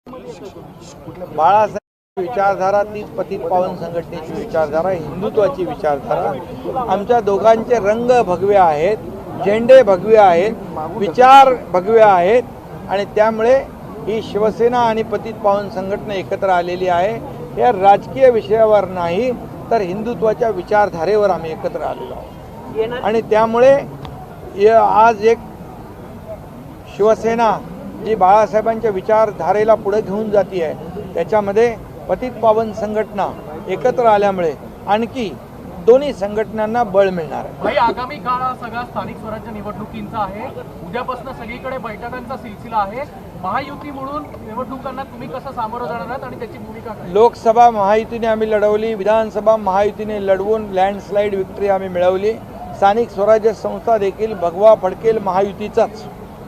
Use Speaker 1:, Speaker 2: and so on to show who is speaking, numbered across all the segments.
Speaker 1: बाळासाहेब विचारधारा तीच पतित पावन संघटनेची विचारधारा, हिंदुत्वाची विचारधारा। आमच्या दोघांचे रंग भगवे आहेत, झेंडे भगवे आहेत, विचार भगवे आहेत आणि त्यामुळे ही शिवसेना आणि पतित पावन संघटना एकत्र आलेली आहे। या राजकीय विषयावर नाही तर हिंदुत्वाच्या विचारधारेवर आम्ही एकत्र आलेलो आहोत आणि त्यामुळे आज एक शिवसेना जी बाळासाहेबांच्या विचारधारेला पुढे घेऊन जाती आहे त्याच्यामध्ये पतित पावन संघटना एकत्र आल्यामुळे आणखी दोन्ही संघटनांना बळ मिळणार आहे।
Speaker 2: भाई, आगामी काळ सगळा स्थानिक स्वराज्य निवडणुकींचा आहे। उद्यापासून सगळीकडे बैठकांचा सिलसिला आहे। महायुती म्हणून निवडणुकांना तुम्ही कसं सामोरं जाणार आहात आणि त्याची भूमिका काय?
Speaker 1: लोकसभा महायुतीने आम्ही लढवली, विधानसभा महायुतीने लढवून लँडस्लाईड विक्ट्री आम्ही मिळवली। स्थानिक स्वराज्य संस्था देखील भगवा फडकेल महायुतीचाच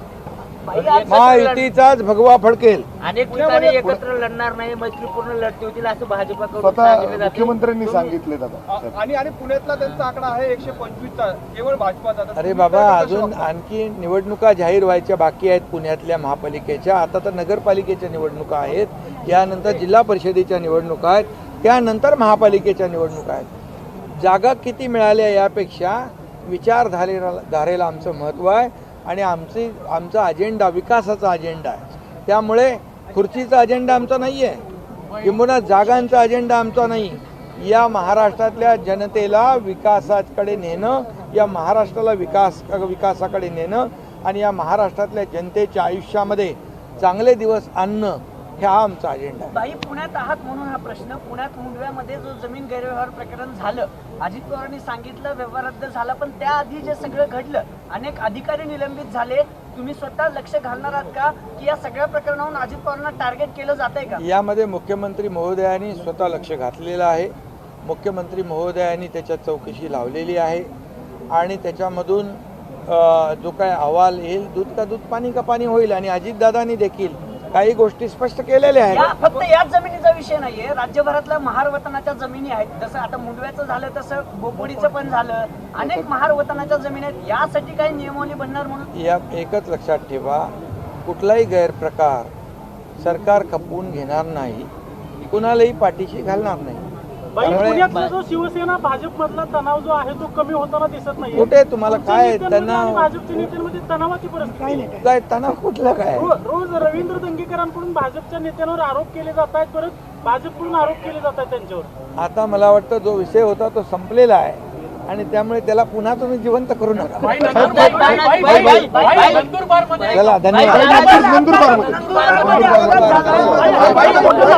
Speaker 1: भगवा फडकेल।
Speaker 3: अनेक ठिकाणी एकत्र लढणार नाही, मैत्रीपूर्ण लढती होतील असं भाजपाकडून
Speaker 4: मुख्यमंत्र्यांनी सांगितले दादा।
Speaker 2: आणि पुण्यातला त्यांचा आकडा आहे 125चा, केवळ भाजपाचा।
Speaker 1: अरे बाबा, अजून आणखी निवडणुका जाहीर व्हायच्या बाकी आहेत पुण्यातल्या महापालिकेच्या। आता तर नगरपालिकेच्या निवडणुका आहेत, यानंतर जिल्हा परिषदेच्या निवडणुका आहेत, त्यानंतर महापालिकेच्या निवडणुका आहेत। जागा किती मिळाल्या यापेक्षा विचारधारेला आमचं महत्त्व आहे आणि आमचा अजेंडा विकासाचा अजेंडा आहे। त्यामुळे खुर्चीचा अजेंडा आमचा नाही आहे, किंबहुना जागांचा अजेंडा आमचा नाही। या महाराष्ट्रातल्या जनतेला विकासाकडे नेणं, या महाराष्ट्राला विकासाकडे नेणं आणि या महाराष्ट्रातल्या जनतेच्या आयुष्यामध्ये चांगले दिवस आणणं हा आमचा अजेंडा आहे।
Speaker 3: बाई, पुण्यात आहात म्हणून हा प्रश्न। पुण्यात मुंडव्यामध्ये जो जमीन गैरव्यवहार प्रकरण झालं, अजित पवारांनी सांगितलं व्यवहार रद्द झाला, पण त्याआधी जे सगळं घडलं, अनेक अधिकारी निलंबित झाले, तुम्ही स्वतः लक्ष घालणार आहात का की या सगळ्या प्रकरणावरून अजित पवारांना टार्गेट केलं जात आहे का?
Speaker 1: यामध्ये मुख्यमंत्री महोदयांनी स्वतः लक्ष घातलेलं आहे। मुख्यमंत्री महोदयांनी त्याच्यात चौकशी लावलेली आहे आणि त्याच्यामधून जो काय अहवाल येईल, दूध का दूध पाणी का पाणी होईल। आणि अजितदादांनी देखील काही गोष्टी स्पष्ट केलेल्या आहेत।
Speaker 3: फक्त याच जमिनीचा विषय नाहीये, राज्यभरातल्या महार वतनाच्या जमिनी आहेत। जसं आता मुंडव्याचं झालं तसं बोपोडीचं पण झालं, अनेक महार वतनाच्या जमिनी आहेत। यासाठी काही नियमावली बनणार म्हणून
Speaker 1: या एकच लक्षात ठेवा, कुठलाही गैरप्रकार सरकार खपवून घेणार नाही, कुणालाही पाठीशी घालणार नाही।
Speaker 2: पुण्यातला जो शिवसेना भाजप मधला तणाव जो आहे तो कमी होताना दिसत नाही।
Speaker 1: कुठे तुम्हाला काय तणाव?
Speaker 2: भाजपच्या नेत्यांमध्ये तणावाची परिस्थिती
Speaker 1: काय तणाव कुठला काय?
Speaker 2: रोज रवींद्र दंगेकरांकडून भाजपच्या नेत्यांवर आरोप केले जात आहेत, परत भाजपकडून आरोप केले जात आहेत त्यांच्यावर।
Speaker 1: आता मला वाटतं जो विषय होता तो संपलेला आहे आणि त्यामुळे त्याला पुन्हा तुम्ही जिवंत करू नका। चला, धन्यवाद।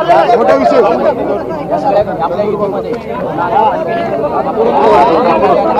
Speaker 4: मोठा विषय